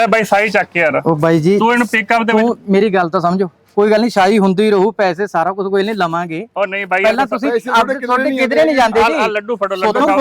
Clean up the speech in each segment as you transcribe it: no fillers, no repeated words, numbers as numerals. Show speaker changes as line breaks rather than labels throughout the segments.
ਬਾਈ ਸਾਈ ਚੱਕ ਕੇ ਯਾਰ
ਉਹ ਬਾਈ ਜੀ
ਤੂੰ ਇਹਨੂੰ ਪਿਕਅਪ ਦੇ ਵਿੱਚ
ਤੂੰ ਮੇਰੀ ਗੱਲ ਤਾਂ ਸਮਝੋ। ਕੋਈ ਗੱਲ ਨਹੀਂ, ਸ਼ਾਹੀ ਹੁੰਦੀ ਰਹੂ, ਪੈਸੇ ਸਾਰਾ ਕੁਝ ਕੋਈ ਨਹੀਂ ਲਵਾਂਗੇ।
ਉਹ ਨਹੀਂ ਬਾਈ
ਪਹਿਲਾਂ ਤੁਸੀਂ ਤੁਹਾਡੇ ਕਿਧਰੇ ਨਹੀਂ ਜਾਂਦੇ ਜੀ।
ਆ ਲੱਡੂ ਫੜੋ ਲੱਡੂ
ਕੁਝ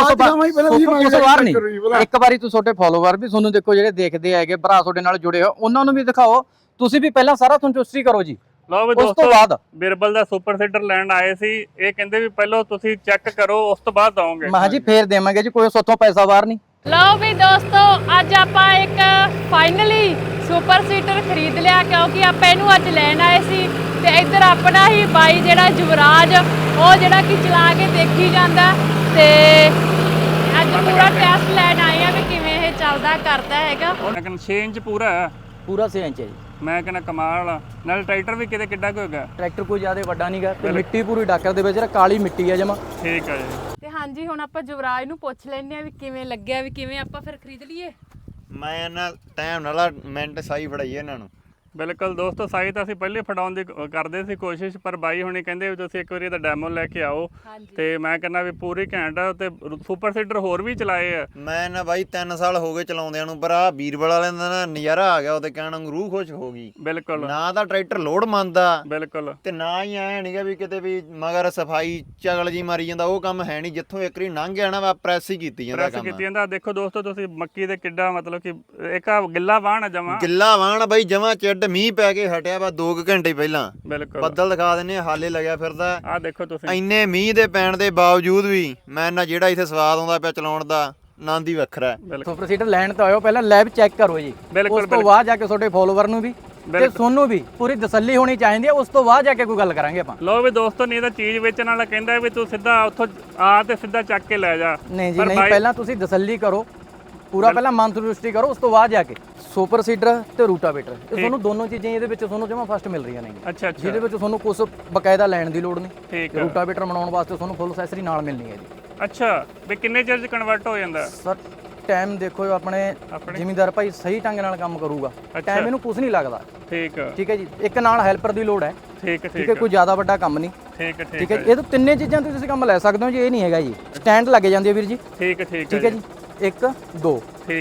ਵਾਰ ਨਹੀਂ, ਇੱਕ ਵਾਰੀ ਤੂੰ ਤੁਹਾਡੇ ਫਾਲੋਵਰ ਵੀ ਤੁਹਾਨੂੰ ਦੇਖੋ, ਜਿਹੜੇ ਦੇਖਦੇ ਹੈਗੇ ਭਰਾ ਤੁਹਾਡੇ ਨਾਲ ਜੁੜੇ ਹੋ, ਉਹਨਾਂ ਨੂੰ ਵੀ ਦਿਖਾਓ। ਤੁਸੀਂ ਵੀ ਪਹਿਲਾਂ ਸਾਰਾ ਸੰਤੁਸ਼ਟੀ ਕਰੋ ਜੀ।
ਲਓ ਵੀ
ਉਸ ਤੋਂ ਬਾਅਦ
ਬਿਰਬਲ ਦਾ ਸੁਪਰ ਸੀਡਰ ਲੈਣ ਆਏ ਸੀ, ਇਹ ਕਹਿੰਦੇ ਵੀ ਪਹਿਲਾਂ ਤੁਸੀਂ ਚੈੱਕ ਕਰੋ ਉਸ ਤੋਂ ਬਾਅਦ ਦਵਾਂਗੇ।
ਮੈਂ ਜੀ ਫੇਰ ਦੇਵਾਂਗੇ ਜੀ, ਕੋਈ ਸੋਥੋਂ ਪੈਸਾ ਬਾਹਰ ਨਹੀਂ।
ਲਓ ਵੀ ਦੋਸਤੋ, ਅੱਜ ਆਪਾਂ ਇੱਕ ਫਾਈਨਲੀ ਸੁਪਰ ਸੀਟਰ ਖਰੀਦ ਲਿਆ, ਕਿਉਂਕਿ ਆਪਾਂ ਇਹਨੂੰ ਅੱਜ ਲੈਣ ਆਏ ਸੀ। ਤੇ ਇੱਧਰ ਆਪਣਾ ਹੀ ਬਾਈ ਜਿਹੜਾ ਯੁਵਰਾਜ, ਉਹ ਜਿਹੜਾ ਕਿ ਚਲਾ ਕੇ ਦੇਖੀ ਜਾਂਦਾ। ਤੇ ਅੱਜ ਪੂਰਾ ਟੈਸਟ ਲੈਣ ਆਏ ਆ ਵੀ ਕਿਵੇਂ ਇਹ ਚੱਲਦਾ ਕਰਦਾ ਹੈਗਾ।
ਲੇਕਿਨ 6 ਇੰਚ ਪੂਰਾ ਹੈ,
ਪੂਰਾ 6 ਇੰਚ ਹੈ ਜੀ।
ਮੈਂ ਕਹਿੰਦਾ ਕਮਾਲ ਵਾਲਾ। ਨਾਲ ਟਰੈਕਟਰ ਵੀ ਕਿਤੇ ਕਿੱਡਾ ਕੁ ਹੋਗਾ।
ਟਰੈਕਟਰ ਕੋਈ ਜ਼ਿਆਦਾ ਵੱਡਾ ਨਹੀਂਗਾ ਤੇ ਮਿੱਟੀ ਪੂਰੀ ਡਾਕਰ ਦੇ ਵਿੱਚ ਕਾਲੀ ਮਿੱਟੀ ਹੈ ਜਮਾ।
ਠੀਕ ਹੈ ਜੀ।
ਤੇ ਹਾਂਜੀ, ਹੁਣ ਆਪਾਂ ਯੁਵਰਾਜ ਨੂੰ ਪੁੱਛ ਲੈਂਦੇ ਆ ਵੀ ਕਿਵੇਂ ਲੱਗਿਆ, ਵੀ ਕਿਵੇਂ ਆਪਾਂ ਫਿਰ ਖਰੀਦ ਲਈਏ।
ਮੈਂ ਨਾ ਟਾਈਮ ਨਾਲ ਮਿੰਟ ਸਾਈ ਫੜਾਈਏ ਇਹਨਾਂ ਨੂੰ।
ਬਿਲਕੁਲ ਦੋਸਤੋ, ਸਾਈ ਤਾਂ ਅਸੀਂ ਪਹਿਲੇ ਫੜਾਉਣ ਦੀ ਕਰਦੇ ਸੀ ਕੋਸ਼ਿਸ਼, ਪਰ ਬਾਈ ਹੁਣੀ ਕਹਿੰਦੇ ਵੀ ਤੁਸੀਂ ਇੱਕ ਵਾਰੀ ਇਹਦਾ ਡੈਮੋ ਲੈ ਕੇ ਆਓ। ਤੇ ਮੈਂ ਕਹਿੰਦਾ ਵੀ ਪੂਰੀ ਘੈਂਟ ਆ। ਤੇ ਸੁਪਰ ਸੀਡਰ ਹੋਰ ਵੀ ਚਲਾਏ ਆ
ਮੈਂ ਨਾ ਬਾਈ 3 ਸਾਲ ਹੋ ਗਏ ਚਲਾਉਂਦਿਆਂ ਨੂੰ, ਪਰ ਆ ਵੀਰਬਲ ਵਾਲਿਆਂ ਦਾ ਨਾ ਨਜ਼ਾਰਾ ਆ ਗਿਆ। ਉਹਦੇ ਕਹਿਣ ਨੂੰ ਰੂਹ ਖੁਸ਼ ਹੋ ਗਈ।
ਬਿਲਕੁਲ
ਨਾ ਤਾਂ ਟਰੈਕਟਰ ਲੋਡ ਮੰਨਦਾ,
ਬਿਲਕੁਲ,
ਤੇ ਨਾ ਹੀ ਐ ਨਹੀਂਗਾ ਵੀ ਕਿਤੇ ਵੀ ਮਗਰ ਸਫਾਈ ਚਗਲ ਜੀ ਮਾਰੀ ਜਾਂਦਾ। ਉਹ ਕੰਮ ਹੈ ਨਹੀਂ। ਜਿੱਥੋਂ ਇੱਕ ਵਾਰੀ ਲੰਘ ਗਿਆ ਨਾ, ਵਾ ਪ੍ਰੈਸ ਹੀ ਕੀਤੀ ਜਾਂਦਾ
ਪ੍ਰੈਸ ਕੀਤੀ ਜਾਂਦਾ। ਦੇਖੋ ਦੋਸਤੋ, ਤੁਸੀਂ ਮੱਕੀ ਦੇ ਕਿੱਡਾ ਮਤਲਬ ਕਿ ਇੱਕ ਆ ਗਿੱਲਾ ਵਾਹਣ ਆ ਜਮਾ।
ਗਿੱਲਾ ਵਾਹਣ ਬਾਈ ਜਮਾ ਚਿੱਡ, ਮੀਂਹ ਪੈ ਕੇ ਹਟਿਆ ਵਾ 2 ਘੰਟੇ ਪਹਿਲਾਂ।
ਬਿਲਕੁਲ
ਬੱਦਲ ਦਿਖਾ ਦਿੰਨੇ, ਹਾਲੇ ਲੱਗਿਆ ਫਿਰਦਾ।
ਆ ਦੇਖੋ ਤੁਸੀਂ,
ਇੰਨੇ ਮੀਂਹ ਦੇ ਪੈਣ ਦੇ ਬਾਵਜੂਦ ਵੀ ਮੈਂ ਨਾ ਜਿਹੜਾ ਇੱਥੇ ਸਵਾਦ ਆਉਂਦਾ ਪਿਆ ਚਲਾਉਣ ਦਾ, ਆਨੰਦ ਹੀ ਵੱਖਰਾ ਹੈ।
ਸੁਪਰ ਸੀਟਰ ਲੈਣ ਤਾਂ ਆਇਓ, ਪਹਿਲਾਂ ਲੈਬ ਚੈੱਕ ਕਰੋ ਜੀ। ਉਸ ਤੋਂ ਬਾਅਦ ਜਾ ਕੇ ਤੁਹਾਡੇ ਫਾਲੋਵਰ ਨੂੰ ਵੀ ਤੇ ਤੁਹਾਨੂੰ ਵੀ ਪੂਰੀ ਤਸੱਲੀ ਹੋਣੀ ਚਾਹੀਦੀ ਹੈ। ਉਸ ਤੋਂ ਬਾਅਦ ਜਾ ਕੇ ਕੋਈ ਗੱਲ ਕਰਾਂਗੇ ਆਪਾਂ।
ਲੋ ਵੀ ਦੋਸਤੋ, ਨਹੀਂ ਤਾਂ ਚੀਜ਼ ਵੇਚਣ ਵਾਲਾ ਕਹਿੰਦਾ ਵੀ ਤੂੰ ਸਿੱਧਾ ਉੱਥੋਂ ਆ ਤੇ ਸਿੱਧਾ ਚੱਕ ਕੇ ਲੈ ਜਾ।
ਨਹੀਂ ਜੀ ਨਹੀਂ, ਪਹਿਲਾਂ ਤੁਸੀਂ ਤਸੱਲੀ ਕਰੋ, ਪੂਰਾ ਪਹਿਲਾਂ ਮਨ ਸੰਤੁਸ਼ਟੀ ਕਰੋ, ਉਸ ਤੋਂ ਬਾਅਦ ਜਾ ਕੇ ਸੁਪਰ ਸੀਡਰ ਤੇ ਰੂਟਾਵੇਟਰ, ਇਹ ਤੁਹਾਨੂੰ ਦੋਨੋਂ ਚੀਜ਼ਾਂ ਇਹਦੇ ਵਿੱਚ ਤੁਹਾਨੂੰ ਜਮਾ ਫਸਟ ਮਿਲ ਰਹੀਆਂ ਨੇ।
ਅੱਛਾ,
ਜਿਹਦੇ ਵਿੱਚ ਤੁਹਾਨੂੰ ਕੁਝ ਬਕਾਇਦਾ ਲੈਣ ਦੀ ਲੋੜ ਨਹੀਂ।
ਠੀਕ ਹੈ।
ਰੂਟਾਵੇਟਰ ਬਣਾਉਣ ਵਾਸਤੇ ਤੁਹਾਨੂੰ ਫੁੱਲ ਅਸੈਸਰੀ ਨਾਲ ਮਿਲਣੀ ਹੈ ਜੀ।
ਅੱਛਾ, ਵੀ ਕਿੰਨੇ ਚਿਰ ਚ ਕਨਵਰਟ ਹੋ ਜਾਂਦਾ?
ਸਰ ਟਾਈਮ ਦੇਖੋ, ਆਪਣੇ ਜ਼ਿਮੀਂਦਾਰ ਭਾਈ ਸਹੀ ਢੰਗ ਨਾਲ ਕੰਮ ਕਰੂਗਾ, ਟਾਈਮ ਇਹਨੂੰ ਕੁਝ ਨਹੀਂ ਲੱਗਦਾ। ਠੀਕ ਹੈ ਜੀ। ਇੱਕ ਨਾਲ ਹੈਲਪਰ ਦੀ ਲੋੜ ਹੈ। ਠੀਕ ਹੈ, ਕੋਈ ਜ਼ਿਆਦਾ ਵੱਡਾ ਕੰਮ ਨਹੀਂ। ਠੀਕ ਹੈ ਜੀ। ਇਹ ਤਾਂ ਤਿੰਨੇ ਚੀਜ਼ਾਂ ਤੋਂ ਤੁਸੀਂ ਕੰਮ ਲੈ ਸਕਦੇ ਹੋ ਜੀ। ਇਹ ਨਹੀਂ ਹੈਗਾ ਜੀ ਸਟੈਂਡ ਲੱਗ ਜਾਂਦੀ ਹੈ ਵੀਰ ਜੀ। ਠੀਕ ਹੈ ਜੀ। 1 2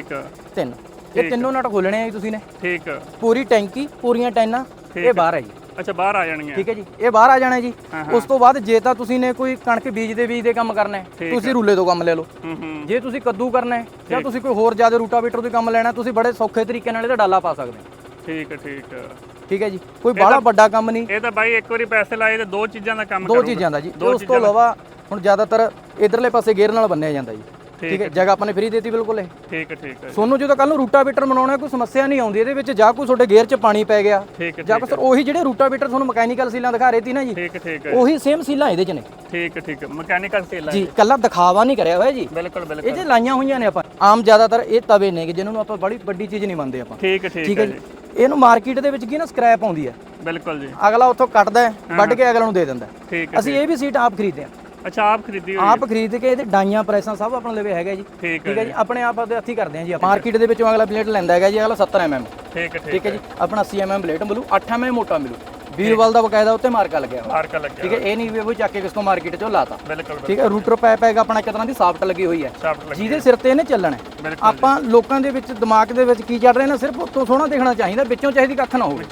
3 ਇਹ ਤਿੰਨੋਂ ਨਟ ਖੋਲਣੇ ਆ ਜੀ ਤੁਸੀਂ ਨੇ। ਪੂਰੀ ਟੈਂਕੀ, ਪੂਰੀਆਂ ਟੈਨਾਂ, ਇਹ ਬਾਹਰ ਹੈ ਜੀ।
ਅੱਛਾ, ਬਾਹਰ ਆ ਜਾਣਗੀਆਂ।
ਠੀਕ ਹੈ ਜੀ, ਇਹ ਬਾਹਰ ਆ ਜਾਣਾ ਜੀ। ਉਸ ਤੋਂ ਬਾਅਦ ਜੇ ਤਾਂ ਤੁਸੀਂ ਨੇ ਕੋਈ ਕਣਕ ਬੀਜ ਦੇ ਕੰਮ ਕਰਨਾ ਹੈ, ਤੁਸੀਂ ਰੂਲੇ ਤੋਂ ਕੰਮ ਲੈ ਲਓ। ਜੇ ਤੁਸੀਂ ਕੱਦੂ ਕਰਨਾ ਹੈ ਜਾਂ ਤੁਸੀਂ ਕੋਈ ਹੋਰ ਜ਼ਿਆਦਾ ਰੂਟਾਵੇਟਰ ਤੋਂ ਕੰਮ ਲੈਣਾ, ਤੁਸੀਂ ਬੜੇ ਸੌਖੇ ਤਰੀਕੇ ਨਾਲ ਇਹਦਾ ਡਾਲਾ ਪਾ ਸਕਦੇ ਹੋ। ਠੀਕ ਹੈ ਜੀ, ਕੋਈ ਬਾਹਲਾ ਵੱਡਾ ਕੰਮ ਨਹੀਂ।
ਇਹ ਤਾਂ ਬਾਈ ਇੱਕ ਵਾਰੀ ਪੈਸੇ ਲਾਏ ਤੇ ਦੋ ਚੀਜ਼ਾਂ ਦਾ ਕੰਮ
ਕਰੂਗਾ। 2 ਚੀਜ਼ਾਂ ਦਾ ਜੀ। ਉਸ ਤੋਂ ਇਲਾਵਾ ਹੁਣ ਜ਼ਿਆਦਾਤਰ ਇਧਰਲੇ ਪਾਸੇ ਗੇਅਰ ਨਾਲ ਬੰਨਿਆ ਜਾਂਦਾ ਜੀ। ਠੀਕ ਹੈ, ਜਗ੍ਹਾ ਆਪਾਂ ਨੇ ਫ੍ਰੀ ਦੇਤੀ ਬਿਲਕੁਲ ਇਹ।
ਠੀਕ ਹੈ।
ਤੁਹਾਨੂੰ ਜਦੋਂ ਕੱਲ ਨੂੰ ਰੂਟਾਵੇਟਰ ਬਣਾਉਣਾ, ਕੋਈ ਸਮੱਸਿਆ ਨਹੀਂ ਆਉਂਦੀ ਇਹਦੇ ਵਿੱਚ। ਜਾਂ ਕੋਈ ਤੁਹਾਡੇ ਗੇਅਰ 'ਚ ਪਾਣੀ ਪੈ ਗਿਆ, ਜਾਂ ਕੋਈ ਉਹੀ ਜਿਹੜੇ ਰੂਟਾਵੇਟਰ ਤੁਹਾਨੂੰ ਮਕੈਨੀਕਲ ਸੀਲਾਂ ਦਿਖਾ ਰਹੇ ਸੀ ਨਾ ਜੀ, ਉਹੀ ਸੇਮ ਸੀਲਾਂ ਇਹਦੇ 'ਚ ਨੇ। ਠੀਕ ਮਕੈਨੀਕਲ ਸੀਲਾਂ ਜੀ, ਕੱਲਾ ਦਿਖਾਵਾ ਨਹੀਂ ਕਰਿਆ ਹੋਇਆ ਜੀ। ਬਿਲਕੁਲ ਇਹ ਜੇ ਲਾਈਆਂ ਹੋਈਆਂ ਨੇ ਆਪਾਂ। ਆਮ ਜ਼ਿਆਦਾਤਰ ਇਹ ਤਵੇ ਨੇ ਜਿਹਨਾਂ ਨੂੰ ਆਪਾਂ ਬੜੀ ਵੱਡੀ ਚੀਜ਼ ਨਹੀਂ ਮੰਨਦੇ ਆਪਾਂ। ਠੀਕ ਹੈ ਜੀ। ਇਹਨੂੰ ਮਾਰਕੀਟ ਦੇ ਵਿੱਚ ਕੀ ਨਾ ਸਕ੍ਰੈਪ ਆਉਂਦੀ ਹੈ। ਬਿਲਕੁਲ ਜੀ। ਅਗਲਾ ਉੱਥੋਂ ਕੱਟਦਾ ਹੈ, ਵੱਢ ਕੇ ਅਗਲਾ ਨੂੰ ਦੇ ਦਿੰਦਾ। ਅਸੀਂ ਇਹ ਵੀ ਸੀਟ ਆਪ ਖਰੀਦਦੇ ਹਾਂ।
ਅੱਛਾ, ਆਪ ਖਰੀਦੀ ਹੋਈ? ਆਪ
ਖਰੀਦ ਕੇ ਇਹਦੇ ਡਾਈਆਂ ਪ੍ਰੈਸਾਂ ਸਭ ਆਪਣੇ ਲਵੇ ਹੈਗਾ ਜੀ। ਠੀਕ ਹੈ ਜੀ। ਆਪਣੇ ਆਪ ਦੇ ਹੱਥੀ ਕਰਦੇ ਹਾਂ ਜੀ। ਮਾਰਕੀਟ ਦੇ ਵਿੱਚੋਂ ਅਗਲਾ ਪਲੇਟ ਲੈਂਦਾ ਹੈਗਾ ਜੀ, ਅਗਲਾ 70 mm। ਠੀਕ ਹੈ ਜੀ। ਆਪਣਾ 80 mm ਪਲੇਟ ਮਿਲੂ, 8 mm ਮੋਟਾ ਮਿਲੂ। ਵੀਰਵਾਲ ਦਾ ਬਕਾਇਦਾ ਉੱਤੇ ਮਾਰਕਾ ਲੱਗਿਆ ਹੋਇਆ। ਠੀਕ ਹੈ, ਇਹ ਨਹੀਂ ਵੀ ਉਹ ਚੱਕ ਕੇ ਕਿਸ ਤੋਂ ਮਾਰਕੀਟ ਚੋਂ ਲਾਤਾ। ਠੀਕ ਹੈ। ਰੂਟਰ ਪਾਈਪ ਹੈਗਾ ਆਪਣਾ, ਇੱਕ ਤਰ੍ਹਾਂ ਦੀ ਸਾਫਟ ਲੱਗੀ ਹੋਈ ਹੈ, ਜਿਹਦੇ ਸਿਰ ਤੇ ਇਹਨੇ ਚੱਲਣਾ। ਆਪਾਂ ਲੋਕਾਂ ਦੇ ਵਿੱਚ ਦਿਮਾਗ ਦੇ ਵਿੱਚ ਕੀ ਚੱਲ ਰਿਹਾ ਨਾ, ਸਿਰਫ ਉੱਤੋਂ ਸੋਹਣਾ ਦਿਖਣਾ ਚਾਹੀਦਾ, ਵਿੱਚੋਂ ਚਾਹੀਦੀ ਕੱਖ ਨਾ ਹੋਵੇ।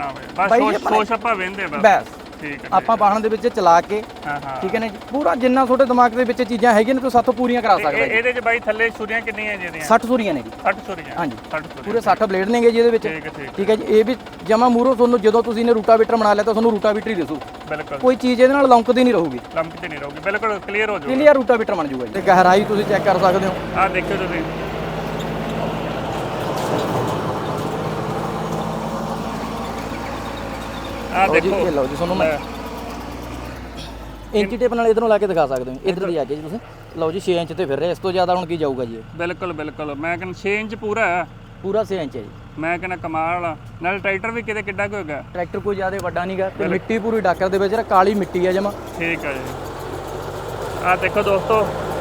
ਬਸ ਸੋਚ ਆਪਾਂ ਵੇਂਦੇ ਬਸ। ਆਪਾਂ ਵਾਹਣ ਦੇ ਵਿੱਚ ਚਲਾ ਕੇ, ਠੀਕ ਹੈ ਨਾ ਜੀ, ਪੂਰਾ ਜਿੰਨਾ ਤੁਹਾਡੇ ਦਿਮਾਗ ਦੇ ਵਿੱਚ ਚੀਜ਼ਾਂ ਹੈਗੀਆਂ ਨੇ ਤੁਸੀਂ ਸਾਥੋਂ ਪੂਰੀਆਂ ਕਰਾ ਸਕਦੇ ਹੋ।
ਇਹਦੇ 'ਚ ਬਾਈ ਥੱਲੇ ਛੁਰੀਆਂ ਕਿੰਨੀਆਂ ਜਿਹੜੀਆਂ?
60 ਛੁਰੀਆਂ ਨੇ ਜੀ।
60 ਛੁਰੀਆਂ? ਹਾਂਜੀ,
ਪੂਰੇ 60 ਬਲੇਡ ਨੇਗੇ ਜੀ ਇਹਦੇ ਵਿੱਚ। ਠੀਕ ਹੈ ਜੀ। ਇਹ ਵੀ ਜਮਾ ਮੂਰੋ ਤੁਹਾਨੂੰ ਜਦੋਂ ਤੁਸੀਂ ਨੇ ਰੂਟਾਵੇਟਰ ਬਣਾ ਲਿਆ ਤਾਂ ਤੁਹਾਨੂੰ ਰੂਟਾਵੇਟਰ ਹੀ ਦਿਸੂ। ਬਿਲਕੁਲ, ਕੋਈ ਚੀਜ਼ ਇਹਦੇ ਨਾਲ ਲੰਕਦੀ ਨਹੀਂ ਰਹੂਗੀ। ਬਿਲਕੁਲ ਕਲੀਅਰ ਹੋ ਜਾਊਗਾ। ਕਲੀਅਰ ਰੂਟਾਵੇਟਰ ਬਣ ਜਾਊਗਾ ਜੀ। ਤੇ ਗਹਿਰਾਈ ਤੁਸੀਂ ਚੈੱਕ ਕਰ ਸਕਦੇ ਹੋ।
ਆਹ ਦੇਖਿਓ ਤੁਸੀਂ, ਆਹ ਦੇਖੋ।
ਇਹ ਲਓ ਜੀ, ਤੁਹਾਨੂੰ ਮੈਂ ਇੰਚੀ ਟੇਪ ਨਾਲ ਇਧਰੋਂ ਲਾ ਕੇ ਦਿਖਾ ਸਕਦੇ ਹੋ। ਇਧਰ ਦੀ ਆ ਕੇ ਜੀ ਤੁਸੀਂ ਲਓ ਜੀ, 6 ਇੰਚ ਤੇ ਫਿਰ ਰਿਹਾ। ਇਸ ਤੋਂ ਜ਼ਿਆਦਾ ਹੁਣ ਕੀ ਜਾਊਗਾ ਜੀ?
ਬਿਲਕੁਲ ਮੈਂ ਕਹਿੰਦਾ 6 ਇੰਚ ਪੂਰਾ ਹੈ।
ਪੂਰਾ 6 ਇੰਚ ਹੈ ਜੀ।
ਮੈਂ ਕਹਿੰਦਾ ਕਮਾਲ ਵਾਲਾ। ਨਾਲ ਟਰੈਕਟਰ ਵੀ ਕਿਤੇ ਕਿੱਡਾ ਕੁ ਹੋਗਾ।
ਟਰੈਕਟਰ ਕੋਈ ਜ਼ਿਆਦਾ ਵੱਡਾ ਨਹੀਂਗਾ ਤੇ ਮਿੱਟੀ ਪੂਰੀ ਡਾਕਰ ਦੇ ਵਿੱਚ ਕਾਲੀ ਮਿੱਟੀ ਹੈ ਜਮਾ।
ਠੀਕ ਹੈ ਜੀ। ਆਹ ਦੇਖੋ ਦੋਸਤੋ,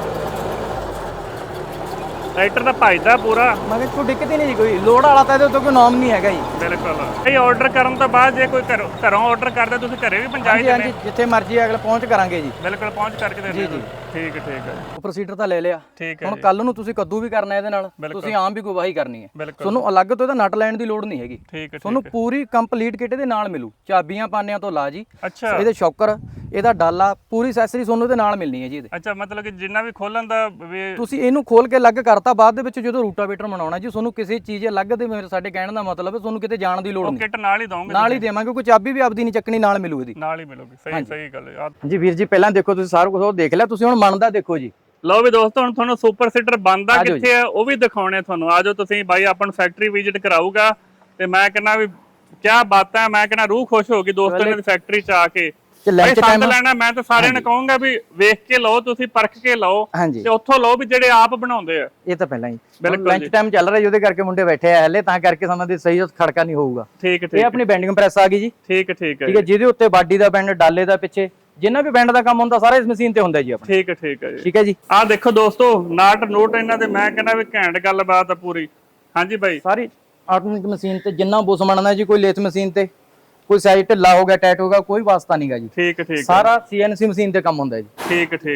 ਟਰੈਕਟਰ ਦਾ ਭਜਦਾ ਪੂਰਾ। ਮੈਂ ਕਿਹਾ ਕੋਈ ਦਿੱਕਤ ਹੀ ਨਹੀਂ ਜੀ, ਕੋਈ ਲੋਡ ਵਾਲਾ ਤਾਂ ਇਹਦੇ ਉੱਤੇ ਕੋਈ ਨਾਮ ਨਹੀਂ ਹੈਗਾ ਜੀ। ਬਿਲਕੁਲ। ਇਹ ਆਰਡਰ ਕਰਨ ਤੋਂ ਬਾਅਦ ਜੇ ਕੋਈ ਘਰੋਂ ਆਰਡਰ ਕਰਦਾ, ਤੁਸੀਂ ਘਰੇ ਵੀ ਪਹੁੰਚਾਈ ਦਿੰਦੇ?
ਹਾਂਜੀ, ਜਿੱਥੇ ਮਰਜ਼ੀ ਅਗਲਾ ਪਹੁੰਚ ਕਰਾਂਗੇ ਜੀ।
ਬਿਲਕੁਲ, ਪਹੁੰਚ ਕਰਕੇ ਦੇ ਦਿੰਦੇ। ਜੀ। ਠੀਕ ਹੈ
ਸੁਪਰ ਸੀਡਰ ਤਾਂ ਲੈ ਲਿਆ,
ਠੀਕ ਹੈ
ਹੁਣ ਕੱਲ ਨੂੰ ਤੁਸੀਂ ਕੱਦੂ ਵੀ ਕਰਨਾ ਇਹਦੇ ਨਾਲ, ਤੁਸੀਂ ਆਮ ਵੀ ਗਵਾਹੀ ਕਰਨੀ ਹੈ, ਤੁਹਾਨੂੰ ਅਲੱਗ ਤੋਂ ਇਹਦਾ ਨਟ ਲੈਣ ਦੀ ਲੋੜ ਨਹੀਂ ਹੈਗੀ,
ਠੀਕ ਹੈ
ਤੁਹਾਨੂੰ ਪੂਰੀ ਕੰਪਲੀਟ ਕਿਟ ਦੇ ਨਾਲ ਮਿਲੂ, ਚਾਬੀਆਂ ਪਾਨਿਆਂ ਤੋਂ ਲਾ ਜੀ,
ਅੱਛਾ
ਇਹਦੇ ਸ਼ੌਕਰ, ਇਹਦਾ ਡਾਲਾ, ਪੂਰੀ ਐਕਸੈਸਰੀ ਤੁਹਾਨੂੰ ਇਹਦੇ ਨਾਲ ਮਿਲਣੀ ਹੈ ਜੀ ਇਹਦੇ।
ਅੱਛਾ ਮਤਲਬ ਕਿ ਜਿੰਨਾ ਵੀ ਖੋਲਣ ਦਾ ਵੀ
ਤੁਸੀਂ ਇਹਨੂੰ ਖੋਲ ਕੇ ਅਲੱਗ ਕਰਤਾ, ਬਾਅਦ ਦੇ ਵਿੱਚ ਜਦੋਂ ਰੂਟਾਵੇਟਰ ਬਣਾਉਣਾ ਜੀ ਤੁਹਾਨੂੰ ਕਿਸੇ ਚੀਜ਼ ਅਲੱਗ ਦੇ ਸਾਡੇ ਕਹਿਣ ਦਾ ਮਤਲਬ ਹੈ ਤੁਹਾਨੂੰ ਕਿਤੇ ਜਾਣ ਦੀ ਲੋੜ ਨਹੀਂ,
ਕਿਟ ਨਾਲ ਹੀ ਦੋਗੇ,
ਨਾਲ ਹੀ ਦੇਵਾਂਗੇ, ਕੋਈ ਚਾਬੀ ਵੀ ਆਪਦੀ ਨਹੀਂ ਚੱਕਣੀ, ਨਾਲ ਮਿਲੂ ਇਹਦੀ,
ਨਾਲ ਹੀ ਮਿਲੂਗੀ। ਸਹੀ ਗੱਲ ਹੈ
ਜੀ ਵੀਰ ਜੀ। ਪਹਿਲਾਂ ਦੇਖੋ ਤੁਸੀਂ ਸਾਰਾ ਕੁਝ ਉਹ ਦੇਖ ਲਿਆ, ਤੁਸੀਂ ਹੁਣ ਮੰਨਦਾ ਦੇਖੋ ਜੀ।
ਲਓ ਵੀ ਦੋਸਤੋ ਹੁਣ ਤੁਹਾਨੂੰ ਸੁਪਰ ਸੀਡਰ ਬਣਦਾ ਕਿੱਥੇ ਹੈ ਉਹ ਵੀ ਦਿਖਾਉਣੇ ਤੁਹਾਨੂੰ। ਆਜੋ ਤੁਸੀਂ ਬਾਈ ਆਪਾਂ ਨੂੰ ਫੈਕਟਰੀ ਵਿਜ਼ਿਟ ਕਰਾਊਗਾ ਤੇ ਮੈਂ ਕਹਿੰਦਾ ਵੀ ਕੀ ਬਾਤਾਂ, ਮੈਂ ਕਹਿੰਦਾ ਰੂਹ ਖੁਸ਼ ਹੋ ਗਈ ਦੋਸਤਾਂ ਦੀ ਫੈਕਟਰੀ ਚ ਆ ਕੇ। ਸੰਦ ਲੈਣਾ ਮੈਂ ਤਾਂ ਸਾਰਿਆਂ ਨੂੰ ਕਹੂੰਗਾ ਵੀ ਵੇਖ ਕੇ ਲਓ, ਤੁਸੀਂ ਪਰਖ ਕੇ ਲਓ ਤੇ ਉੱਥੋਂ ਲਓ ਵੀ ਜਿਹੜੇ ਆਪ ਬਣਾਉਂਦੇ ਆ।
ਇਹ ਤਾਂ ਪਹਿਲਾਂ ਹੀ ਲੰਚ ਟਾਈਮ ਚੱਲ ਰਿਹਾ, ਉਹਦੇ ਕਰਕੇ ਮੁੰਡੇ ਬੈਠੇ ਆ ਹਲੇ, ਤਾਂ ਕਰਕੇ ਸਾਨੂੰ ਦੀ ਸਹੀ ਖੜਕਾ ਨਹੀਂ ਹੋਊਗਾ।
ਠੀਕ
ਇਹ ਆਪਣੀ ਬੈਂਡਿੰਗ ਪ੍ਰੈਸ ਆ ਗਈ ਜੀ।
ਠੀਕ ਹੈ
ਠੀਕ ਹੈ, ਜਿਹਦੇ ਉੱਤੇ ਬਾਡੀ ਦਾ ਬੈਂਡ, ਡਾਲੇ ਦਾ ਪਿੱਛੇ ਜਿੰਨਾ ਵੀ ਬੈਂਡ ਦਾ ਕੰਮ ਹੁੰਦਾ ਸਾਰਾ ਇਸ ਮਸ਼ੀਨ ਤੇ ਹੁੰਦਾ ਜੀ ਆਪਣਾ।
ਠੀਕ ਹੈ ਜੀ।
ਠੀਕ ਹੈ ਜੀ।
ਆਹ ਦੇਖੋ ਦੋਸਤੋ ਨਾਟ ਨੋਟ ਇਹਨਾਂ ਦੇ, ਮੈਂ ਕਹਿੰਦਾ ਵੀ ਘੈਂਟ ਗੱਲਬਾਤ ਆ ਪੂਰੀ। ਹਾਂਜੀ ਬਾਈ,
ਸਾਰੀ ਆਟੋਮੈਟਿਕ ਮਸ਼ੀਨ ਤੇ ਜਿੰਨਾ ਬੁਸ ਬਣਨਾ ਜੀ, ਕੋਈ ਲੇਥ ਮਸ਼ੀਨ ਤੇ ਕੋਈ ਸਾਈਡ ਢਿੱਲਾ ਹੋ ਗਿਆ, ਟਾਈਟ ਹੋ ਗਿਆ, ਕੋਈ ਵਾਸਤਾ ਨਹੀਂਗਾ ਜੀ।
ਠੀਕ ਹੈ
ਸਾਰਾ ਸੀਐਨਸੀ ਮਸ਼ੀਨ ਤੇ ਕੰਮ ਹੁੰਦਾ ਜੀ।
ਠੀਕ ਹੈ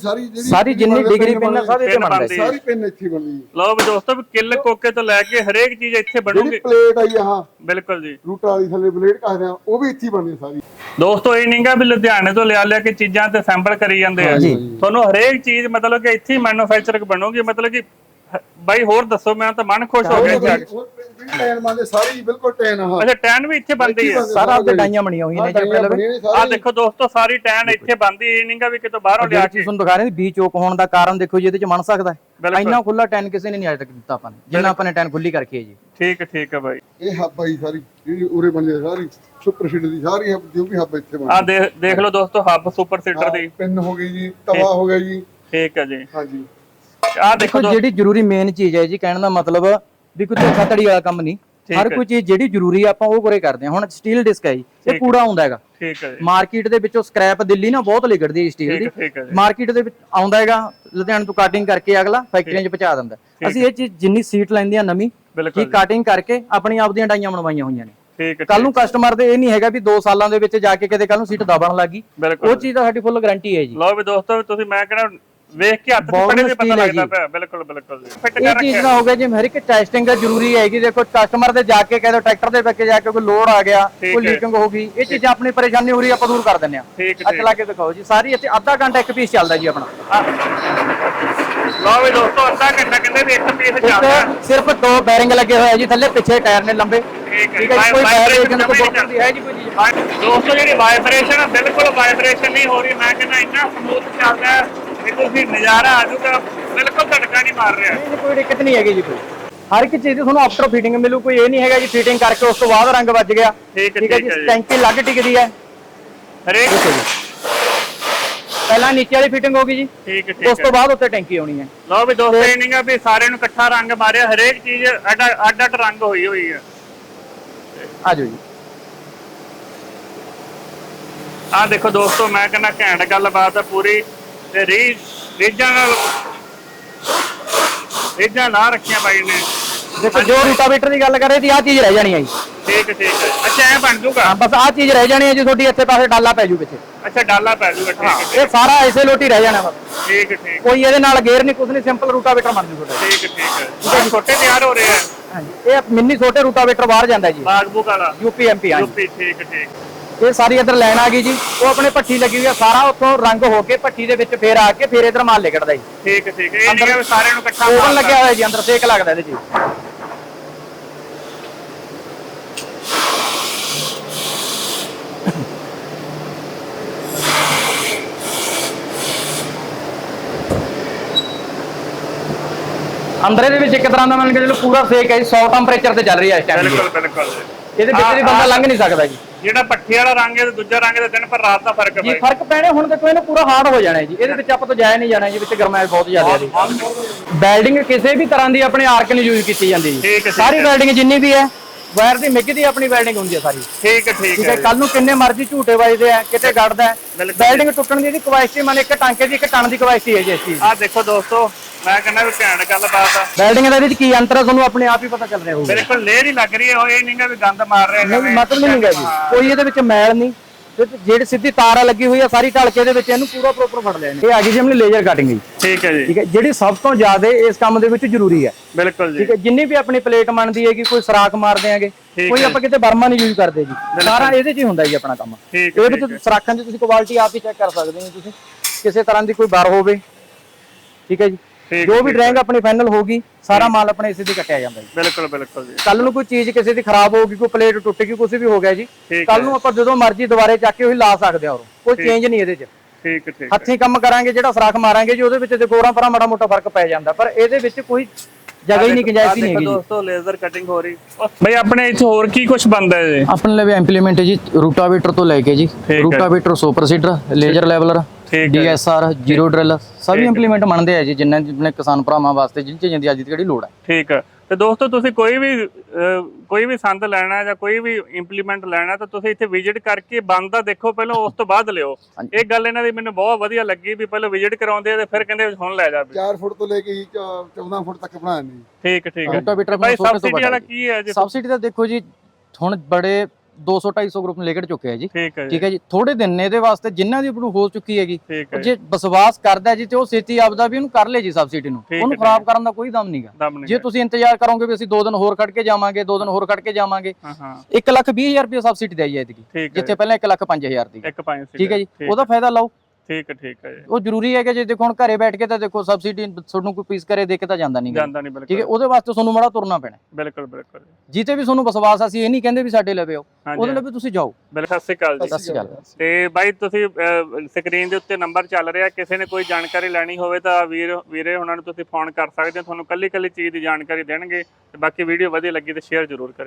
ਸਾਰੀ ਜਿੰਨੀ ਡਿਗਰੀ ਪਿੰਨ ਆ ਸਾਰੇ ਇੱਥੇ ਬਣਦਾ,
ਸਾਰੀ ਪਿੰਨ ਇੱਥੇ ਬਣਦੀ।
ਲਓ ਵੀ ਦੋਸਤੋ ਵੀ ਕਿੱਲ ਕੋਕੇ ਤੋਂ ਲੈ ਕੇ ਹਰੇਕ ਚੀਜ਼ ਇੱਥੇ ਬਣੂਗੀ।
ਪਲੇਟ ਆਈ ਆਹ
ਬਿਲਕੁਲ ਜੀ,
ਰੂਟਾ ਵਾਲੀ ਥੱਲੇ ਪਲੇਟ ਕਹਿੰਦੇ ਆ, ਉਹ ਵੀ ਇੱਥੇ ਬਣਦੀ ਸਾਰੀ।
ਦੋਸਤੋ ਇਹ ਨਹੀਂਗਾ ਵੀ ਲੁਧਿਆਣੇ ਤੋਂ ਲਿਆ ਕੇ ਚੀਜ਼ਾਂ ਤੇ ਸੈਂਪਲ ਕਰੀ ਜਾਂਦੇ ਆ, ਤੁਹਾਨੂੰ ਹਰੇਕ ਚੀਜ਼ ਮਤਲਬ ਕਿ ਇੱਥੇ ਹੀ ਮੈਨੂਫੈਕਚਰ ਬਣੂਗੀ। ਮਤਲਬ ਕਿ ਬਾਈ ਹੋਰ ਦੱਸੋ, ਮੈਂ ਤਾਂ ਮਨ ਖੁਸ਼ ਹੋ ਗਿਆ ਜੀ।
ਟੈਨ ਮੰਨਦੇ ਸਾਰੀ ਬਿਲਕੁਲ ਟੈਨ ਆ।
ਅੱਛਾ ਟੈਨ ਵੀ ਇੱਥੇ ਬਣਦੀ ਹੈ,
ਸਾਰਾ ਆਪਦੇ ਡਾਈਆਂ ਬਣੀਆਂ ਹੋਈਆਂ ਨੇ ਜੀ ਪਹਿਲਾਂ।
ਆਹ ਦੇਖੋ ਦੋਸਤੋ ਸਾਰੀ ਟੈਨ ਇੱਥੇ ਬਣਦੀ, ਇਹ ਨਹੀਂਗਾ ਵੀ ਕਿਤੋਂ ਬਾਹਰੋਂ ਲਿਆ ਕੇ।
ਤੁਹਾਨੂੰ ਦਿਖਾ ਰਹੇ ਬੀ ਚੋਕ ਹੋਣ ਦਾ ਕਾਰਨ ਦੇਖੋ ਜੀ, ਇਹਦੇ ਚ ਬਣ ਸਕਦਾ ਹੈ ਇੰਨਾ ਖੁੱਲਾ ਟੈਨ ਕਿਸੇ ਨੇ ਨਹੀਂ ਅਜੇ ਤੱਕ ਦਿੱਤਾ ਆਪਾਂ ਨੇ, ਜਿੰਨਾ ਆਪਾਂ ਨੇ ਟੈਨ ਖੁੱਲੀ ਕਰਕੇ ਜੀ।
ਠੀਕ ਹੈ ਬਾਈ।
ਇਹ ਹੱਬ ਆਈ ਸਾਰੀ ਜਿਹੜੀ ਉਰੇ ਬਣਦੀ ਸਾਰੀ ਸੁਪਰ ਸੀਡਰ ਦੀ, ਸਾਰੀ ਹੱਬ ਜੋ ਵੀ ਹੱਬ ਇੱਥੇ ਬਣਦੀ।
ਆਹ ਦੇਖ ਲਓ ਦੋਸਤੋ ਹੱਬ ਸੁਪਰ ਸੀਡਰ ਦੀ
ਪਿੰਨ ਹੋ ਗਈ ਜੀ, ਤਵਾ ਹੋ ਗਿਆ ਜੀ।
ਠੀਕ ਹੈ ਜੀ।
ਹਾਂਜੀ
ਆਹ ਦੇਖੋ
ਜਿਹੜੀ ਜ਼ਰੂਰੀ ਮੇਨ ਚੀਜ਼ ਹੈ ਜੀ, ਕਹਿਣ ਦਾ ਮਤਲਬ ਵੀ ਕੋਈ ਧੋਖਾ ਧੜੀ ਵਾਲਾ ਕੰਮ ਨਹੀਂ, ਹਰ ਕੋਈ ਚੀਜ਼ ਜਿਹੜੀ ਜ਼ਰੂਰੀ ਆਪਾਂ ਉਹ ਕੋਰੇ ਕਰਦੇ ਹਾਂ। ਹੁਣ ਸਟੀਲ ਡਿਸਕ ਹੈ ਜੀ, ਇਹ ਕੂੜਾ ਆਉਂਦਾ ਹੈਗਾ।
ਠੀਕ ਹੈ ਜੀ।
ਮਾਰਕੀਟ ਦੇ ਵਿੱਚੋਂ ਸਕ੍ਰੈਪ ਦਿੱਲੀ ਨਾ ਬਹੁਤ ਲਿਗੜਦੀ ਹੈ ਸਟੀਲ ਦੀ, ਮਾਰਕੀਟ ਦੇ ਵਿੱਚ ਆਉਂਦਾ ਹੈਗਾ, ਲੁਧਿਆਣੇ ਤੋਂ ਕਟਿੰਗ ਕਰਕੇ ਅਗਲਾ ਫੈਕਟਰੀਆਂ 'ਚ ਪਹੁੰਚਾ ਦਿੰਦਾ। ਅਸੀਂ ਇਹ ਚੀਜ਼ ਜਿੰਨੀ ਸੀਟ ਲੈਂਦੇ ਆ ਨਵੀਂ ਕੀ ਕਟਿੰਗ ਕਰਕੇ ਆਪਣੀ ਆਪ ਦੀਆਂ ਡਾਈਆਂ ਬਣਵਾਈਆਂ ਹੋਈਆਂ ਨੇ। ਕੱਲ ਨੂੰ ਕਸਟਮਰ ਦੇ ਇਹ ਨਹੀਂ ਹੈਗਾ ਵੀ 2 ਸਾਲਾਂ ਦੇ ਵਿੱਚ ਜਾ ਕੇ ਕਿਤੇ ਕੱਲ ਨੂੰ ਸੀਟ ਦਬਣ ਲੱਗੀ, ਉਹ ਚੀਜ਼ ਦਾ ਸਾਡੀ ਫੁੱਲ ਗਾਰੰਟੀ ਹੈ ਜੀ।
ਲਓ ਵੀ ਦੋਸਤੋ ਤੁਸੀਂ ਮੈਂ ਕਹਿੰਦਾ ਵੇਖ ਕੇ ਹੱਥ ਪੜੇ ਦੇ ਪਤਾ ਲੱਗਦਾ ਪਿਆ। ਬਿਲਕੁਲ ਜੀ ਫਿੱਟ
ਇਹ ਚੀਜ਼ ਦਾ ਹੋ ਗਿਆ ਜੀ, ਹਰ ਇੱਕ ਟੈਸਟਿੰਗ ਦਾ ਜ਼ਰੂਰੀ ਹੈ ਕਿ ਦੇਖੋ ਕਸਟਮਰ ਦੇ ਜਾ ਕੇ ਕਹਿੰਦੇ ਟਰੈਕਟਰ ਦੇ ਵਿੱਚ ਜਾ ਕੇ ਕੋਈ ਲੋਡ ਆ ਗਿਆ, ਕੋਈ ਲੀਕਿੰਗ ਹੋ ਗਈ, ਇਹ ਚੀਜ਼ਾਂ ਆਪਣੀ ਪਰੇਸ਼ਾਨੀ ਹੋ ਰਹੀ ਆਪਾਂ ਦੂਰ ਕਰ ਦਿੰਦੇ ਆ। ਅੱਛਾ ਲਾ ਕੇ ਦਿਖਾਓ ਜੀ, ਸਾਰੀ ਇੱਥੇ ਅੱਧਾ ਘੰਟਾ ਇੱਕ ਪੀਸ ਚੱਲਦਾ ਜੀ ਆਪਣਾ।
ਲਓ ਵੀ ਦੋਸਤੋ ਅੱਧਾ ਘੰਟਾ ਕਹਿੰਦੇ ਵੀ ਇੱਕ ਪੀਸ ਚੱਲਦਾ।
ਸਿਰਫ 2 ਬੈਰਿੰਗ ਲੱਗੇ ਹੋਏ ਆ ਜੀ ਥੱਲੇ, ਪਿੱਛੇ ਟਾਇਰ ਨੇ ਲੰਬੇ।
ਠੀਕ ਹੈ ਕੋਈ ਵਾਈਬ੍ਰੇਸ਼ਨ ਨਹੀਂ ਹੈ ਜੀ ਕੋਈ ਚੀਜ਼। ਦੋਸਤੋ ਜਿਹੜੀ ਵਾਈਬ੍ਰੇਸ਼ਨ ਹੈ ਬਿਲਕੁਲ ਵਾਈਬ੍ਰੇਸ਼ਨ ਨਹੀਂ ਹੋ ਰਹੀ, ਮੈਂ ਕਹਿੰਦਾ ਇੰਨਾ ਸਮੂਥ ਚੱਲਦਾ ਹੈ ਕਿ ਤੁਸੀਂ ਨਜ਼ਾਰਾ ਆ ਜਾਊਗਾ, ਬਿਲਕੁਲ ਧੜਕਾ ਨਹੀਂ ਮਾਰ ਰਿਹਾ।
ਕੋਈ ਦਿੱਕਤ ਨਹੀਂ ਹੈਗੀ ਜੀ ਕੋਈ। ਹਰ ਇੱਕ ਚੀਜ਼ ਦੀ ਤੁਹਾਨੂੰ ਆਫਟਰ ਫਿਟਿੰਗ ਮਿਲੂ, ਕੋਈ ਇਹ ਨਹੀਂ ਹੈਗਾ ਜੀ ਫਿਟਿੰਗ ਕਰਕੇ ਉਸ ਤੋਂ ਬਾਅਦ ਰੰਗ ਵੱਜ ਗਿਆ। ਠੀਕ ਹੈ ਜੀ। ਟੈਂਕੀ ਲੱਗ ਟਿਕਦੀ ਹੈ ਹਰੇਕ, ਪਹਿਲਾਂ ਨੀਚੇ ਵਾਲੀ ਫਿਟਿੰਗ ਹੋ ਗਈ ਜੀ,
ਠੀਕ ਹੈ
ਉਸ ਤੋਂ ਬਾਅਦ ਉੱਤੇ ਟੈਂਕੀ ਆਉਣੀ ਹੈ।
ਲਓ ਵੀ ਦੋਸਤੋ ਇਹ ਨਹੀਂਗਾ ਵੀ ਸਾਰਿਆਂ ਨੂੰ ਇਕੱਠਾ ਰੰਗ ਮਾਰਿਆ, ਹਰੇਕ ਚੀਜ਼ ਅੱਡ ਰੰਗ ਹੋਈ ਹੈ।
ਆ ਜਾਓ ਜੀ।
ਆਹ ਦੇਖੋ ਦੋਸਤੋ ਮੈਂ ਕਹਿੰਦਾ ਘੈਂਟ ਗੱਲਬਾਤ ਹੈ ਪੂਰੀ, ਤੇ ਰੀਝਾਂ ਲਾ ਰੱਖੀਆਂ ਬਾਈ ਨੇ।
ਦੇਖੋ ਜੋ ਰੂਟਾਵੇਟਰ ਦੀ ਗੱਲ ਕਰੇ ਸੀ ਆਹ ਚੀਜ਼ ਰਹਿ ਜਾਣੀ ਹੈ ਜੀ।
ਠੀਕ ਹੈ ਅੱਛਾ ਐ ਬਣ ਜੂਗਾ,
ਬਸ ਆਹ ਚੀਜ਼ ਰਹਿ ਜਾਣੀ ਹੈ ਜੀ ਤੁਹਾਡੀ, ਇੱਥੇ ਪਾਸੇ ਡਾਲਾ ਪੈ ਜੂ ਪਿੱਛੇ।
ਅੱਛਾ ਡਾਲਾ ਪੈ ਜੂਗਾ। ਠੀਕ ਹੈ
ਇਹ ਸਾਰਾ ਐਸੇ ਲੋਟੀ ਰਹਿ ਜਾਣਾ ਬਸ।
ਠੀਕ ਹੈ
ਕੋਈ ਇਹਦੇ ਨਾਲ ਗੇਅਰ ਨਹੀਂ, ਕੁਝ ਨਹੀਂ, ਸਿੰਪਲ ਰੂਟਾਵੇਟਰ ਬਣ ਜੂ ਤੁਹਾਡਾ।
ਠੀਕ ਹੈ ਛੋਟੇ ਤਿਆਰ ਹੋ ਰਹੇ ਆ।
ਹਾਂਜੀ ਇਹ ਮਿੰਨੀ ਛੋਟੇ ਰੂਟਾਵੇਟਰ ਬਾਹਰ ਜਾਂਦਾ ਜੀ,
ਬਾਗਬੂਕ ਵਾਲਾ
ਯੂਪੀ ਐਮਪੀ।
ਯੂਪੀ ਠੀਕ ਹੈ।
ਇਹ ਸਾਰੀ ਇੱਧਰ ਲਾਈਨ ਆ ਗਈ ਜੀ, ਉਹ ਆਪਣੇ ਭੱਠੀ ਲੱਗੀ ਹੋਈ ਆ, ਸਾਰਾ ਉੱਥੋਂ ਰੰਗ ਹੋ ਕੇ ਭੱਠੀ ਦੇ ਵਿੱਚ ਫੇਰ ਆ ਕੇ ਫੇਰ ਇੱਧਰ ਮਾਲ ਲਿਕੜਦਾ ਜੀ।
ਠੀਕ ਹੈ ਇਹ ਨਹੀਂ ਕਿ ਸਾਰਿਆਂ ਨੂੰ ਇਕੱਠਾ
ਓਵਨ ਲੱਗਿਆ ਹੋਇਆ ਜੀ, ਅੰਦਰ ਸੇਕ ਲੱਗਦਾ ਇਹਦੇ ਜੀ। ਅੰਦਰ ਇਹਦੇ ਵਿੱਚ ਇੱਕ ਤਰ੍ਹਾਂ ਦਾ ਮੰਨ ਕੇ ਚਲੋ ਪੂਰਾ ਸੇਕ ਹੈ ਜੀ, 100 ਟੈਂਪਰੇਚਰ ਤੇ ਚੱਲ ਰਹੀ ਹੈ ਇਸ ਟਾਈਮ।
ਬਿਲਕੁਲ
ਇਹਦੇ ਵਿੱਚ ਵੀ ਬੰਦਾ ਲੰਘ ਨਹੀਂ ਸਕਦਾ ਜੀ।
ਜਿਹੜਾ ਪੱਠੇ ਵਾਲਾ ਰੰਗ ਹੈ ਤੇ ਦੂਜਾ ਰੰਗ ਦੇ ਦਿਨ ਪਰ ਰਾਤ ਦਾ ਫਰਕ ਹੈ
ਜੀ, ਫਰਕ ਪੈਣੇ ਹੁਣ ਦੇਖੋ ਇਹਨੂੰ ਪੂਰਾ ਹਾਰਡ ਹੋ ਜਾਣਾ ਜੀ, ਇਹਦੇ ਵਿੱਚ ਆਪਾਂ ਤੋਂ ਜਾਇਆ ਨਹੀਂ ਜਾਣਾ ਜੀ, ਵਿੱਚ ਗਰਮਾਇਸ਼ ਬਹੁਤ ਜ਼ਿਆਦਾ ਹੈ ਜੀ। ਵੈਲਡਿੰਗ ਕਿਸੇ ਵੀ ਤਰ੍ਹਾਂ ਦੀ ਆਪਣੇ ਆਰਕ ਨਹੀਂ ਯੂਜ਼ ਕੀਤੀ ਜਾਂਦੀ ਜੀ, ਸਾਰੀ ਵੈਲਡਿੰਗ ਜਿੰਨੀ ਵੀ ਹੈ ਵਾਇਰ ਦੀ ਮਿੱਗ ਦੀ ਆਪਣੀ ਵੈਲਡਿੰਗ ਹੁੰਦੀ ਹੈ ਸਾਰੀ।
ਠੀਕ ਹੈ
ਕੱਲ ਨੂੰ ਕਿੰਨੇ ਮਰਜ਼ੀ ਝੂਟੇ ਵੱਜਦੇ ਆ, ਕਿਤੇ ਗੜਦਾ ਹੈ, ਵੈਲਡਿੰਗ ਟੁੱਟਣ ਦੀ ਇਹਦੀ ਕਪੈਸਿਟੀ ਮਨ ਇੱਕ ਟਾਂਕੇ ਦੀ ਇੱਕ ਟਨ ਦੀ ਕਪੈਸਿਟੀ ਹੈ ਜੀ ਇਸ ਚੀਜ਼।
ਆਹ ਦੇਖੋ ਦੋਸਤੋ ਮੈਂ ਕਹਿੰਦਾ ਵੀ ਘੈਂਟ ਗੱਲਬਾਤ ਆ।
ਵੈਲਡਿੰਗ ਦੇ ਵਿੱਚ ਕੀ ਅੰਤਰ ਹੈ ਤੁਹਾਨੂੰ ਆਪਣੇ ਆਪ ਹੀ ਪਤਾ ਚੱਲ ਰਿਹਾ ਹੋਊਗਾ।
ਬਿਲਕੁਲ ਲੇਅਰ ਹੀ ਲੱਗ ਰਹੀ ਹੈ, ਇਹ ਨਹੀਂਗਾ ਵੀ ਗੰਦ ਮਾਰ ਰਿਹਾ
ਨਹੀਂ ਮਤਲਬ ਨਹੀਂ ਹੈਗਾ ਜੀ, ਕੋਈ ਇਹਦੇ ਵਿੱਚ ਮੈਲ ਨਹੀਂ, ਤੇ ਜਿਹੜੀ ਸਿੱਧੀ ਤਾਰ ਆ ਲੱਗੀ ਹੋਈ ਆ ਸਾਰੀ ਢਲ ਕੇ ਇਹਦੇ ਵਿੱਚ ਇਹਨੂੰ ਪੂਰਾ ਪ੍ਰੋਪਰ ਫੜ ਲਿਆ ਇਹਨੇ। ਇਹ ਆ ਗਈ ਜੀ ਆਪਣੀ ਲੇਜ਼ਰ ਕਟਿੰਗ ਜੀ।
ਠੀਕ ਹੈ ਜੀ।
ਠੀਕ ਹੈ, ਜਿਹੜੀ ਸਭ ਤੋਂ ਜ਼ਿਆਦਾ ਇਸ ਕੰਮ ਦੇ ਵਿੱਚ ਜ਼ਰੂਰੀ ਹੈ।
ਬਿਲਕੁਲ ਜੀ।
ਠੀਕ ਹੈ, ਜਿੰਨੀ ਵੀ ਆਪਣੀ ਪਲੇਟ ਬਣਦੀ ਹੈਗੀ, ਕੋਈ ਸਰਾਖ ਮਾਰ ਦਿਆਂਗੇ, ਕੋਈ ਆਪਾਂ ਕਿਤੇ ਬਰਮਾ ਨਹੀਂ ਯੂਜ਼ ਕਰਦੇ ਜੀ, ਸਾਰਾ ਇਹਦੇ 'ਚ ਹੀ ਹੁੰਦਾ ਜੀ ਆਪਣਾ ਕੰਮ। ਇਹ ਵਿੱਚ ਸਰਾਖਾਂ 'ਚ ਤੁਸੀਂ ਕੁਆਲਿਟੀ ਆਪ ਹੀ ਚੈੱਕ ਕਰ ਸਕਦੇ ਹੋ, ਤੁਸੀਂ ਕਿਸੇ ਤਰ੍ਹਾਂ ਦੀ ਕੋਈ ਬਰ ਹੋਵੇ। ਠੀਕ ਹੈ ਜੀ, ਜੋ ਵੀ ਡਰਾਇੰਗ ਆਪਣੀ ਫਾਈਨਲ ਹੋਗੀ ਸਾਰਾ ਮਾਲ ਆਪਣੇ ਇਸੇ ਤੇ ਕੱਟਿਆ ਜਾਂਦਾ ਜੀ।
ਬਿਲਕੁਲ ਬਿਲਕੁਲ ਜੀ।
ਕੱਲ ਨੂੰ ਕੋਈ ਚੀਜ਼ ਕਿਸੇ ਦੀ ਖਰਾਬ ਹੋ ਗਈ, ਕੋਈ ਪਲੇਟ ਟੁੱਟ ਗਈ, ਕੁਝ ਵੀ ਹੋ ਗਿਆ ਜੀ, ਕੱਲ ਨੂੰ ਆਪਾਂ ਜਦੋਂ ਮਰਜ਼ੀ ਦੁਬਾਰੇ ਚੱਕ ਕੇ ਉਹੀ ਲਾ ਸਕਦੇ ਹਾਂ, ਕੋਈ ਚੇਂਜ ਨਹੀਂ ਇਹਦੇ 'ਚ।
ਠੀਕ ਠੀਕ।
ਹੱਥੀਂ ਕੰਮ ਕਰਾਂਗੇ, ਜਿਹੜਾ ਸਰਾਖ ਮਾਰਾਂਗੇ ਜੀ ਉਹਦੇ ਵਿੱਚ ਤੇ ਗੋਰਾਂ ਪਰਾਂ ਮਾੜਾ ਮੋਟਾ ਫਰਕ ਪੈ ਜਾਂਦਾ, ਪਰ ਇਹਦੇ ਵਿੱਚ ਕੋਈ ਜਗ੍ਹਾ ਹੀ ਨਹੀਂ, ਗੁੰਜਾਇਸ਼ ਹੀ ਨਹੀਂ ਹੈਗੀ
ਦੋਸਤੋ। ਲੇਜ਼ਰ ਕਟਿੰਗ ਹੋ ਰਹੀ ਬਈ ਆਪਣੇ ਇੱਥੇ ਹੋਰ ਕੀ ਕੁਝ ਬਣਦਾ ਹੈ ਜੀ?
ਆਪਣੇ ਲਈ ਇੰਪਲੀਮੈਂਟ ਜੀ ਰੂਟਾਵੇਟਰ ਤੋਂ ਲੈ ਕੇ ਜੀ, rotavator, super seeder, laser leveller, DSR, zero drill, ਸਭੀ ਇੰਪਲੀਮੈਂਟ ਬਣਦੇ ਆ ਜੀ ਜਿੰਨਾਂ ਆਪਣੇ ਕਿਸਾਨ ਭਰਾਵਾਂ ਵਾਸਤੇ ਜਿਨ ਚੀਜ਼ਾਂ ਦੀ ਅੱਜ ਦੀ ਜਿਹੜੀ ਲੋੜ ਹੈ। ਠੀਕ ਹੈ।
ਤੇ ਦੋਸਤੋ ਤੁਸੀਂ ਕੋਈ ਵੀ ਸੰਦ ਲੈਣਾ ਜਾਂ ਕੋਈ ਵੀ ਇੰਪਲੀਮੈਂਟ ਲੈਣਾ ਤਾਂ ਤੁਸੀਂ ਇੱਥੇ ਵਿਜ਼ਿਟ ਕਰਕੇ ਬਣਦਾ ਦੇਖੋ ਪਹਿਲਾਂ, ਉਸ ਤੋਂ ਬਾਅਦ ਲਿਓ। ਇਹ ਗੱਲ ਇਹਨਾਂ ਦੀ ਮੈਨੂੰ ਬਹੁਤ ਵਧੀਆ ਲੱਗੀ ਵੀ ਪਹਿਲਾਂ ਵਿਜ਼ਿਟ ਕਰਾਉਂਦੇ ਆ ਤੇ ਫਿਰ ਕਹਿੰਦੇ ਹੁਣ ਲੈ ਜਾ।
4 ਫੁੱਟ ਤੋਂ ਲੈ ਕੇ 14 ਫੁੱਟ ਤੱਕ ਬਣਾਇਆ ਨਹੀਂ।
ਠੀਕ ਠੀਕ ਹੈ।
ਰੂਟਾਵੇਟਰ
ਭਾਈ ਸਬਸਿਡੀ ਵਾਲਾ ਕੀ ਹੈ ਜੀ?
ਸਬਸਿਡੀ ਤਾਂ ਦੇਖੋ ਜੀ ਹੁਣ ਬੜੇ 200-250 ਗਰੁੱਪ ਲੈ ਕੇ ਚੁੱਕੇ ਆ ਜੀ। ਠੀਕ ਹੈ ਜੀ, ਥੋੜੇ ਦਿਨ ਨੇ ਇਹਦੇ ਵਾਸਤੇ ਜਿਨ੍ਹਾਂ ਦੀ ਆਪਣੀ ਹੋ ਚੁੱਕੀ ਹੈਗੀ, ਜੇ ਵਿਸ਼ਵਾਸ ਕਰਦਾ ਜੀ ਤੇ ਉਹ ਛੇਤੀ ਆਪਦਾ ਵੀ ਉਹਨੂੰ ਕਰ ਲੇ ਜੀ ਸਬਸਿਡੀ ਨੂੰ, ਉਹਨੂੰ ਖਰਾਬ ਕਰਨ ਦਾ ਕੋਈ ਦਮ ਨਹੀਂਗਾ। ਜੇ ਤੁਸੀਂ ਇੰਤਜ਼ਾਰ ਕਰੋਗੇ ਵੀ ਅਸੀਂ 2 ਦਿਨ ਹੋਰ ਕੱਢ ਕੇ ਜਾਵਾਂਗੇ, 2 ਦਿਨ ਹੋਰ ਕੱਢ ਕੇ ਜਾਵਾਂਗੇ, 1,20,000 ਰੁਪਏ ਸਬਸਿਡੀ ਦੇਈ ਜਾਏਗੀ, ਜਿੱਥੇ ਪਹਿਲਾਂ 1,05,000 ਦੀ। ਠੀਕ ਹੈ ਜੀ, ਉਹਦਾ ਫਾਇਦਾ ਲਓ।
ਠੀਕ ਹੈ ਜੀ।
ਉਹ ਜ਼ਰੂਰੀ ਹੈ ਕਿ ਜੇ ਦੇਖੋ ਹੁਣ ਘਰੇ ਬੈਠ ਕੇ ਤਾਂ ਦੇਖੋ ਸਬਸਿਡੀ ਤੁਹਾਨੂੰ ਕੋਈ ਪੀਸ ਕਰੇ ਦੇ ਕੇ ਤਾਂ ਜਾਂਦਾ ਨਹੀਂ।
ਬਿਲਕੁਲ।
ਠੀਕ ਹੈ, ਉਹਦੇ ਵਾਸਤੇ ਤੁਹਾਨੂੰ ਮਾੜਾ ਤੁਰਨਾ ਪੈਣਾ।
ਬਿਲਕੁਲ ਬਿਲਕੁਲ।
ਜਿੱਤੇ ਵੀ ਤੁਹਾਨੂੰ ਵਿਸ਼ਵਾਸ ਅਸੀਂ ਇਹ ਨਹੀਂ ਕਹਿੰਦੇ ਵੀ ਸਾਡੇ ਲਵੇ ਆਓ, ਉਹਦੇ ਲਈ ਤੁਸੀਂ ਜਾਓ।
ਸਤਿ ਸ਼੍ਰੀ ਅਕਾਲ ਜੀ।
ਸਤਿ ਸ਼੍ਰੀ ਅਕਾਲ। ਤੇ
ਬਾਈ ਤੁਸੀਂ ਸਕਰੀਨ ਦੇ ਉੱਤੇ ਨੰਬਰ ਚੱਲ ਰਿਹਾ, ਕਿਸੇ ਨੇ ਕੋਈ ਜਾਣਕਾਰੀ ਲੈਣੀ ਹੋਵੇ ਤਾਂ ਵੀਰੇ ਉਹਨਾਂ ਨੂੰ ਤੁਸੀਂ ਫੋਨ ਕਰ ਸਕਦੇ ਹੋ, ਤੁਹਾਨੂੰ ਕੱਲੀ ਚੀਜ਼ ਦੀ ਜਾਣਕਾਰੀ ਦੇਣਗੇ। ਤੇ ਬਾਕੀ ਵੀਡੀਓ ਵਧੀਆ ਲੱਗੀ ਤੇ ਸ਼ੇਅਰ ਜ਼ਰੂਰ ਕਰਿਓ।